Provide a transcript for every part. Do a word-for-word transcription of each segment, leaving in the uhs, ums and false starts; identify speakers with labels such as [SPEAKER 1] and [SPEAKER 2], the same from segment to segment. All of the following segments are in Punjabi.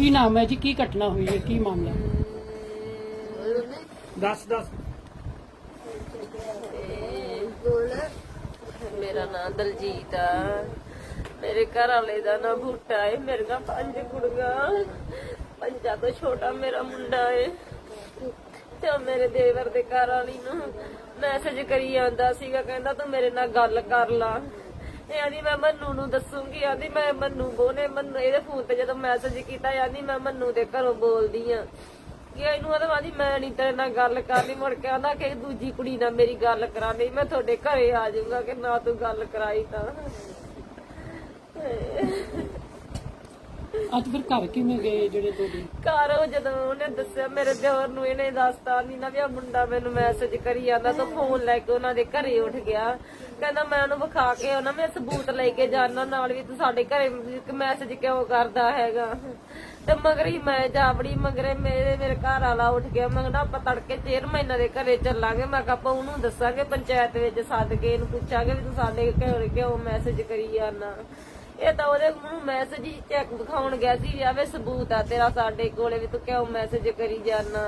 [SPEAKER 1] ਕੀ ਨਾਮ ਹੈ ਜੀ? ਕੀ ਘਟਨਾ ਹੋਈ ਹੈ? ਕੀ ਮਾਮਲਾ? दस दस
[SPEAKER 2] मेरा नाम दलजीत है। मेरे घर वाले का ना बूटा है। मेरे का पंज कुड़ियां, पंजा तो छोटा मेरा मुंडा है। ते मेरे देवर दे घर वाली नूं मैसेज करी आंदा सीगा, कहंदा तू मेरे नाल गल कर ला। आंदी मैं मन्नू नूं दसूंगी। आंदी मैं मन्नू बोने मन्नू इहदे फोन ते जदों मैसेज कीता, आंदी मैं मन्नू दे घरों बोलदी आ कि ਇਹਨੂੰ ਆਦਾ ਆਂਦੀ ਮੈਂ ਨਹੀਂ ਤੇਰੇ ਨਾਲ ਗੱਲ ਕਰਨੀ। ਮੁੜ ਕੇ ਆਂਦਾ ਕਿ ਦੂਜੀ ਕੁੜੀ ਨਾਲ ਮੇਰੀ ਗੱਲ ਕਰਾਣੀ, ਮੈਂ ਤੁਹਾਡੇ ਘਰੇ ਆ ਜਾਊਂਗਾ ਕਿ ਨਾ ਤੂੰ ਗੱਲ ਕਰਾਈ ਤਾਂ।
[SPEAKER 1] ਅੱਜ ਫਿਰ ਘਰ ਕਿਵੇਂ ਗਏ ਜਿਹੜੇ ਤੁਹਾਡੇ
[SPEAKER 2] ਘਰ? ਉਹ ਜਦੋਂ ਉਹਨੇ ਦੱਸਿਆ ਮੇਰੇ ਦਿਓਰ ਨੂੰ, ਇਹਨੇ ਦੱਸਤਾ ਨਹੀਂ ਨਾ ਵੀ ਆ ਮੁੰਡਾ ਮੈਨੂੰ ਮੈਸੇਜ ਕਰੀ ਜਾਂਦਾ, ਤਾਂ ਫੋਨ ਲੈ ਕੇ ਉਹਨਾਂ ਦੇ ਘਰੇ ਉੱਠ ਗਿਆ। ਕਹਿੰਦਾ ਮੈਂ ਉਹਨੂੰ ਵਿਖਾ ਕੇ ਉਹਨਾਂ ਮੈਂ ਸਬੂਤ ਲੈ ਕੇ ਜਾਣਾ ਨਾਲ ਵੀ ਤੂੰ ਸਾਡੇ ਘਰੇ ਮੈਸੇਜ ਕਿਉਂ ਕਰਦਾ ਹੈਗਾ। ਤੇ ਮਗਰ ਹੀ ਮੈਂ ਜਾ ਬੜੀ ਮਗਰੇ ਮੇਰੇ ਮੇਰੇ ਘਰ ਵਾਲਾ ਉੱਠ ਗਿਆ। ਮੈਂ ਕਹਿੰਦਾ ਆਪਾਂ ਤੜਕੇ ਚੇਅਰਮੈਨਾਂ ਦੇ ਘਰੇ ਚੱਲਾਂਗੇ। ਮੈਂ ਕਿਹਾ ਆਪਾਂ ਉਹਨੂੰ ਦੱਸਾਂਗੇ, ਪੰਚਾਇਤ ਵਿੱਚ ਸੱਦ ਕੇ ਇਹਨੂੰ ਪੁੱਛਾਂਗੇ ਵੀ ਤੂੰ ਸਾਡੇ ਘਰੇ ਕਿਉਂ ਮੈਸੇਜ ਕਰੀ ਜਾਂਦਾ। ਇਹ ਤਾਂ ਉਹਦੇ ਨੂੰ ਮੈਸੇਜ ਹੀ ਚੈੱਕ ਦਿਖਾਉਣ ਗਿਆ ਸੀ ਵੀ ਆਵੇ ਸਬੂਤ ਆ ਤੇਰਾ ਸਾਡੇ ਕੋਲੇ ਵੀ ਤੂੰ ਕਿਉਂ ਮੈਸੇਜ ਕਰੀ ਜਾਣਾ।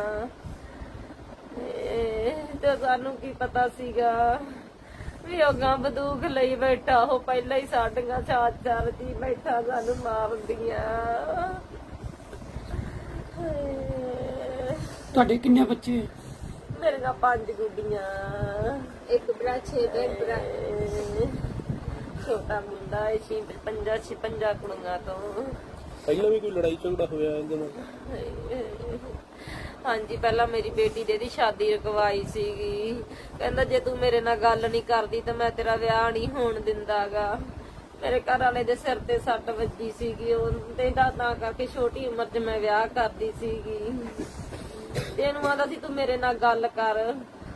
[SPEAKER 2] ਤੇ ਸਾਨੂੰ ਕੀ ਪਤਾ ਸੀਗਾ ਵੀ ਉਹ ਗਾਂ ਬੰਦੂਕ ਲਈ ਬੈਠਾ, ਉਹ ਪਹਿਲਾਂ ਹੀ ਸਾਡੀਆਂ ਚਾਰ ਚਾਰ ਜੀ ਬੈਠਾ ਸਾਨੂੰ ਮਾਰਦੀਆਂ।
[SPEAKER 1] ਤੁਹਾਡੇ ਕਿੰਨੇ ਬੱਚੇ?
[SPEAKER 2] ਮੇਰੇ ਨਾਲ ਪੰਜ ਗੁੱਡੀਆਂ, ਇੱਕ ਭਰਾ ਛੇ ਭੈਣ ਭਰਾ, ਛੋਟਾ ਮੁੰਡਾ ਹੈ ਛੇ ਪੰਜਾ ਛਪੰਜਾ ਕੁੜੀਆਂ ਤੋਂ।
[SPEAKER 3] ਪਹਿਲਾਂ ਵੀ ਕੋਈ ਲੜਾਈ ਝਗੜਾ ਹੋਇਆ ਇਹਦੇ ਨਾਲ?
[SPEAKER 2] ਹਾਂਜੀ, ਪਹਿਲਾਂ ਮੇਰੀ ਬੇਟੀ ਦੇ ਦੀ ਸ਼ਾਦੀ ਰਕਵਾਈ ਸੀਗੀ। ਕਹਿੰਦਾ ਜੇ ਤੂੰ ਮੇਰੇ ਨਾਲ ਗੱਲ ਨਹੀਂ ਕਰਦੀ ਤਾਂ ਮੈਂ ਤੇਰਾ ਵਿਆਹ ਨਹੀਂ ਹੋਣ ਦਿੰਦਾਗਾ। ਮੇਰੇ ਘਰ ਵਾਲੇ ਦੇ ਸਿਰ ਤੇ ਸੱਟ ਵੱਜੀ ਸੀਗੀ, ਉਹ ਤੇ ਤਾਂ ਕਰਕੇ ਛੋਟੀ ਉਮਰ 'ਚ ਮੈਂ ਵਿਆਹ ਕਰਦੀ ਸੀਗੀ। ਤੇ ਇਹਨੂੰ ਆਂਦਾ ਸੀ ਤੂੰ ਮੇਰੇ ਨਾਲ ਗੱਲ ਕਰ।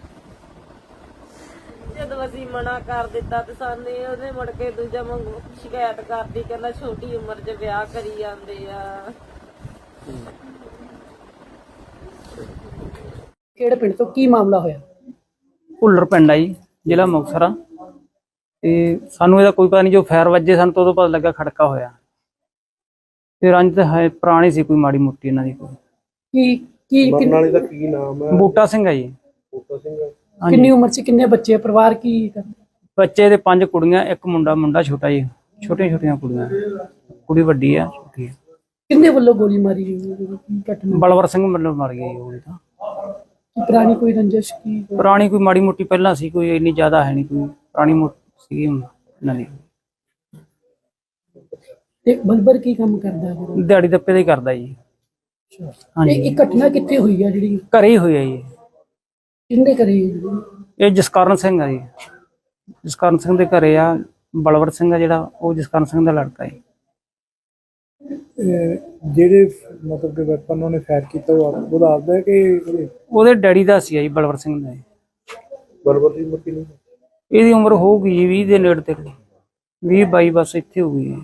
[SPEAKER 2] ਜਦੋਂ ਅਸੀਂ ਮਨਾ ਕਰ ਦਿੱਤਾ ਤੇ ਸਾਨੂੰ ਉਹਨੇ ਮੁੜ ਕੇ ਦੂਜਾ ਵਾਂਗੂ ਸ਼ਿਕਾਇਤ ਕਰਦੀ, ਕਹਿੰਦਾ ਛੋਟੀ ਉਮਰ 'ਚ ਵਿਆਹ ਕਰੀ ਜਾਂਦੇ ਆ।
[SPEAKER 1] ਕਿਹੜੇ ਪਿੰਡ ਤੋਂ ਕੀ ਮਾਮਲਾ ਹੋਇਆ?
[SPEAKER 4] ਭੁੱਲਰ ਪਿੰਡ ਆ ਜੀ, ਜ਼ਿਲ੍ਹਾ ਮੁਕਤਸਰ ਆ। ਤੇ ਸਾਨੂੰ ਇਹਦਾ ਕੋਈ ਪਤਾ ਨਹੀਂ, ਜੋ ਫਾਇਰ ਵੱਜੇ ਸਾਨੂੰ ਤਾਂ ਉਦੋਂ ਪਤਾ ਲੱਗਾ ਖੜਕਾ ਹੋਇਆ। ਤੇ ਰੰਜ ਤਾਂ ਹੈ ਪੁਰਾਣੀ ਸੀ ਕੋਈ ਮਾੜੀ ਮੋਟੀ ਇਹਨਾਂ ਦੀ। ਕੋਈ
[SPEAKER 1] ਕੀ ਕੀ
[SPEAKER 3] ਮਰਨ ਵਾਲੇ ਦਾ ਕੀ ਨਾਮ ਹੈ?
[SPEAKER 4] ਬੂਟਾ ਸਿੰਘ ਆ ਜੀ।
[SPEAKER 3] ਬੂਟਾ ਸਿੰਘ।
[SPEAKER 1] ਕਿੰਨੀ ਉਮਰ 'ਚ? ਕਿੰਨੇ ਬੱਚੇ? ਪਰਿਵਾਰ ਕੀ ਕਰਦੇ?
[SPEAKER 4] ਬੱਚੇ ਦੇ ਪੰਜ ਕੁੜੀਆਂ, ਇੱਕ ਮੁੰਡਾ। ਮੁੰਡਾ ਛੋਟਾ ਜੀ, ਛੋਟੀਆਂ ਛੋਟੀਆਂ ਕੁੜੀਆਂ, ਕੁੜੀ ਵੱਡੀ ਆ, ਛੋਟੀ ਆ।
[SPEAKER 1] ਕਿੰਨੇ ਵੱਲੋਂ ਗੋਲੀ ਮਾਰੀ ਗਈ? ਘਟਨਾ
[SPEAKER 4] ਬਲਵਰ ਸਿੰਘ ਮਤਲਬ ਮਰ ਗਿਆ ਜੀ। ਉਹ ਤਾਂ
[SPEAKER 1] ਪੁਰਾਣੀ ਕੋਈ ਰੰਜਿਸ਼ ਕੀ?
[SPEAKER 4] ਪੁਰਾਣੀ ਕੋਈ ਮਾੜੀ ਮੋਟੀ ਪਹਿਲਾਂ ਸੀ, ਕੋਈ ਇੰਨੀ ਜ਼ਿਆਦਾ ਹੈ ਨਹੀਂ। ਕੋਈ ਪੁਰਾਣੀ ਮੋਟੀ ਸੀ ਇਹਨਾਂ ਦੀ।
[SPEAKER 1] ਤੇ ਬਲਬਰ ਕੀ ਕੰਮ ਕਰਦਾ ਹੈ?
[SPEAKER 4] ਦਿਹਾੜੀ ਦੱਪੇ ਦਾ ਹੀ ਕਰਦਾ ਜੀ।
[SPEAKER 1] ਇਹ ਇਹ ਘਟਨਾ ਕਿੱਥੇ ਹੋਈ ਆ ਜਿਹੜੀ?
[SPEAKER 4] ਘਰੇ ਹੀ ਹੋਇਆ ਜੀ।
[SPEAKER 1] ਕਿੰਨੇ ਕਰੇ?
[SPEAKER 4] ਇਹ ਜਸਕਰਨ ਸਿੰਘ ਆ ਜੀ। ਜਸਕਰਨ ਸਿੰਘ ਦੇ ਘਰੇ ਆ। ਬਲਵਰ ਸਿੰਘ ਆ ਜਿਹੜਾ, ਉਹ ਜਸਕਰਨ ਸਿੰਘ ਦਾ ਲੜਕਾ ਹੈ।
[SPEAKER 3] ਜਿਹੜੇ ਮਤਲਬ ਕਿ ਵੈਪਨ ਉਹਨੇ ਫਾਇਰ ਕੀਤਾ ਉਹ ਦੱਸਦਾ ਕਿ
[SPEAKER 4] ਉਹਦੇ ਡੈਡੀ ਦਾ ਸੀ ਜੀ, ਬਲਵਰ ਸਿੰਘ ਦਾ।
[SPEAKER 3] ਬਲਵਰ ਦੀ ਉਮਰ ਕਿੰਨੀ?
[SPEAKER 4] ਇਹਦੀ ਉਮਰ ਹੋਊਗੀ ਜੀ ਵੀਹ ਦੇ ਨੇੜੇ ਤੇੜੇ, ਵੀਹ ਬਾਈ ਬਸ ਇੱਥੇ ਹੋ ਗਈ।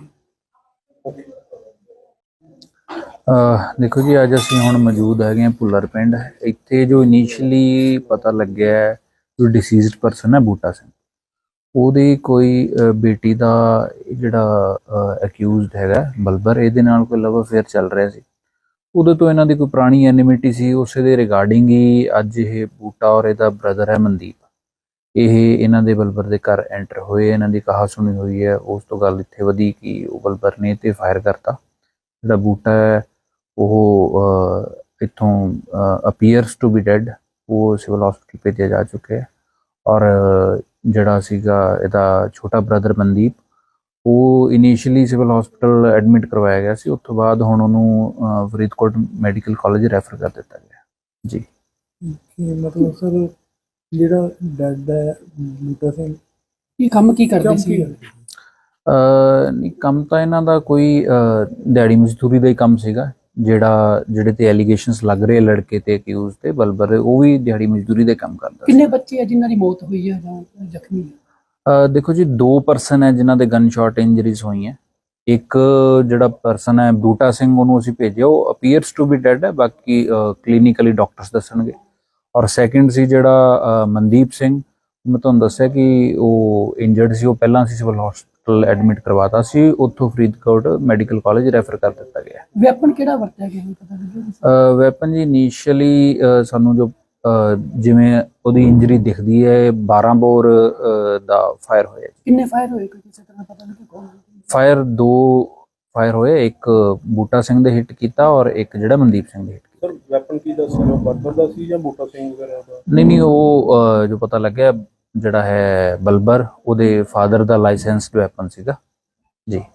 [SPEAKER 5] ਦੇਖੋ ਜੀ, ਅੱਜ ਅਸੀਂ ਹੁਣ ਮੌਜੂਦ ਹੈਗੇ ਹਾਂ ਭੁੱਲਰ ਪਿੰਡ। ਇੱਥੇ ਜੋ ਇਨੀਸ਼ੀਅਲੀ ਪਤਾ ਲੱਗਿਆ ਜੋ ਡਿਸੀਜ਼ਡ ਪਰਸਨ ਹੈ ਬੂਟਾ ਸਿੰਘ, ਉਹਦੀ ਕੋਈ ਬੇਟੀ ਦਾ ਜਿਹੜਾ ਅਕਿਊਜ਼ਡ ਹੈਗਾ ਬਲਬਰ, ਇਹਦੇ ਨਾਲ ਕੋਈ ਲਵ ਅਫੇਅਰ ਚੱਲ ਰਿਹਾ ਸੀ। ਉਦੋਂ ਤੋਂ ਇਹਨਾਂ ਦੀ ਕੋਈ ਪੁਰਾਣੀ ਐਨਿਮਿਟੀ ਸੀ। ਉਸੇ ਦੇ ਰਿਗਾਰਡਿੰਗ ਹੀ ਅੱਜ ਇਹ ਬੂਟਾ ਔਰ ਇਹਦਾ ਬ੍ਰਦਰ ਹੈ ਮਨਦੀਪ, ਇਹ ਇਹਨਾਂ ਦੇ ਬਲਬਰ ਦੇ ਘਰ ਐਂਟਰ ਹੋਏ। ਇਹਨਾਂ ਦੀ ਕਹਾ ਸੁਣੀ ਹੋਈ ਹੈ। ਉਸ ਤੋਂ ਗੱਲ ਇੱਥੇ ਵਧੀ ਕਿ ਉਹ ਬਲਬਰ ਨੇ ਤੇ ਫਾਇਰ ਕਰਤਾ। ਜਿਹੜਾ ਬੂਟਾ ਹੈ ਉਹ ਇੱਥੋਂ ਅਪੀਅਰਸ ਟੂ ਬੀ ਡੈਡ, ਉਹ ਸਿਵਲ ਹਸਪੀਟਲ ਭੇਜਿਆ ਜਾ ਚੁੱਕਿਆ ਹੈ। ਔਰ ਜਿਹੜਾ ਸੀਗਾ ਇਹਦਾ ਛੋਟਾ ਬ੍ਰਦਰ ਮਨਦੀਪ, ਉਹ ਇਨੀਸ਼ੀਅਲੀ ਸਿਵਲ ਹਸਪੀਟਲ ਐਡਮਿਟ ਕਰਵਾਇਆ ਗਿਆ ਸੀ। ਉਸ ਤੋਂ ਬਾਅਦ ਹੁਣ ਉਹਨੂੰ ਫਰੀਦਕੋਟ ਮੈਡੀਕਲ ਕਾਲਜ ਰੈਫਰ ਕਰ ਦਿੱਤਾ ਗਿਆ ਜੀ।
[SPEAKER 3] ਮਤਲਬ ਸਰ ਜਿਹੜਾ ਡੈਡ ਹੈ ਬੂਟਾ ਸਿੰਘ,
[SPEAKER 1] ਇਹ ਕੰਮ ਕੀ ਕਰਦੇ ਸੀ?
[SPEAKER 5] ਨਹੀਂ, ਕੰਮ ਤਾਂ ਇਹਨਾਂ ਦਾ ਕੋਈ ਦਿਹਾੜੀ ਮਜ਼ਦੂਰੀ ਦਾ ਹੀ ਕੰਮ ਸੀਗਾ। ਜਿਹੜਾ ਜਿਹੜੇ ਤੇ ਐਲੀਗੇਸ਼ਨਸ ਲੱਗ ਰਹੇ ਲੜਕੇ ਤੇ ਅਕਿਊਜ਼ ਤੇ ਬਲਬਰ, ਉਹ ਵੀ ਦਿਹਾੜੀ ਮਜ਼ਦੂਰੀ ਦੇ ਕੰਮ ਕਰਦਾ।
[SPEAKER 1] ਕਿੰਨੇ ਬੱਚੇ ਆ ਜਿਨ੍ਹਾਂ ਦੀ ਮੌਤ ਹੋਈ ਹੈ ਜਾਂ ਜ਼ਖਮੀ?
[SPEAKER 5] ਦੇਖੋ ਜੀ, ਦੋ ਪਰਸਨ ਹੈ ਜਿਨ੍ਹਾਂ ਦੇ ਗਨ ਸ਼ਾਟ ਇੰਜਰੀਜ਼ ਹੋਈਆਂ। ਇੱਕ ਜਿਹੜਾ ਪਰਸਨ ਹੈ ਬੂਟਾ ਸਿੰਘ, ਉਹਨੂੰ ਅਸੀਂ ਭੇਜਿਆ, ਉਹ ਅਪੀਅਰਸ ਟੂ ਬੀ ਡੈਡ ਹੈ, ਬਾਕੀ ਕਲੀਨਿਕਲੀ ਡਾਕਟਰਸ ਦੱਸਣਗੇ। ਔਰ ਸੈਕਿੰਡ ਸੀ ਜਿਹੜਾ ਮਨਦੀਪ ਸਿੰਘ, ਮੈਂ ਤੁਹਾਨੂੰ ਦੱਸਿਆ ਕਿ ਉਹ ਇੰਜਰਡ ਸੀ। ਉਹ ਪਹਿਲਾਂ ਅਸੀਂ ਸਿਵਲ ਹਸਪੀਟਲ ਐਡਮਿਟ ਕਰਵਾਤਾ ਸੀ, ਉੱਥੋਂ ਫਰੀਦਕੋਟ ਮੈਡੀਕਲ ਕਾਲਜ ਰੈਫਰ ਕਰ ਦਿੱਤਾ ਗਿਆ।
[SPEAKER 1] ਵੈਪਨ ਕਿਹੜਾ ਵਰਤਿਆ ਗਿਆ ਇਹ ਪਤਾ ਲੱਗਿਆ?
[SPEAKER 5] ਵੈਪਨ ਜੀ ਇਨੀਸ਼ੀਅਲੀ ਸਾਨੂੰ ਜੋ ਅਹ, ਜਿਵੇਂ ਉਹਦੀ ਇੰਜਰੀ ਦਿਖਦੀ ਹੈ ਬਾਰਾਂ ਬੋਰ ਅਹ, ਦਾ ਫਾਇਰ ਹੋਇਆ।
[SPEAKER 1] ਕਿੰਨੇ ਫਾਇਰ ਹੋਏ ਕੋਈ ਕਿਸੇ ਤਰ੍ਹਾਂ ਪਤਾ ਲੱਗਿਆ ਕੌਣ?
[SPEAKER 5] ਫਾਇਰ ਦੋ ਫਾਇਰ ਹੋਏ, ਇੱਕ ਬੂਟਾ ਸਿੰਘ ਦੇ ਹਿੱਟ ਕੀਤਾ ਔਰ ਇੱਕ ਜਿਹੜਾ ਮਨਦੀਪ ਸਿੰਘ ਦੇ ਹਿੱਟ ਕੀਤਾ।
[SPEAKER 3] ਸਰ ਵੈਪਨ ਕੀ ਦੱਸਿਆ, ਉਹ ਬਰਬਰ ਦਾ ਸੀ ਜਾਂ ਬੂਟਾ ਸਿੰਘ ਵਗੈਰਾ ਦਾ?
[SPEAKER 5] ਨਹੀਂ ਨਹੀਂ ਉਹ ਅਹ, ਜੋ ਪਤਾ ਲੱਗਿਆ ਜਿਹੜਾ ਹੈ ਬਲਬਰ, ਉਹਦੇ ਫਾਦਰ ਦਾ ਲਾਇਸੈਂਸਡ ਵੈਪਨ ਸੀਗਾ ਜੀ।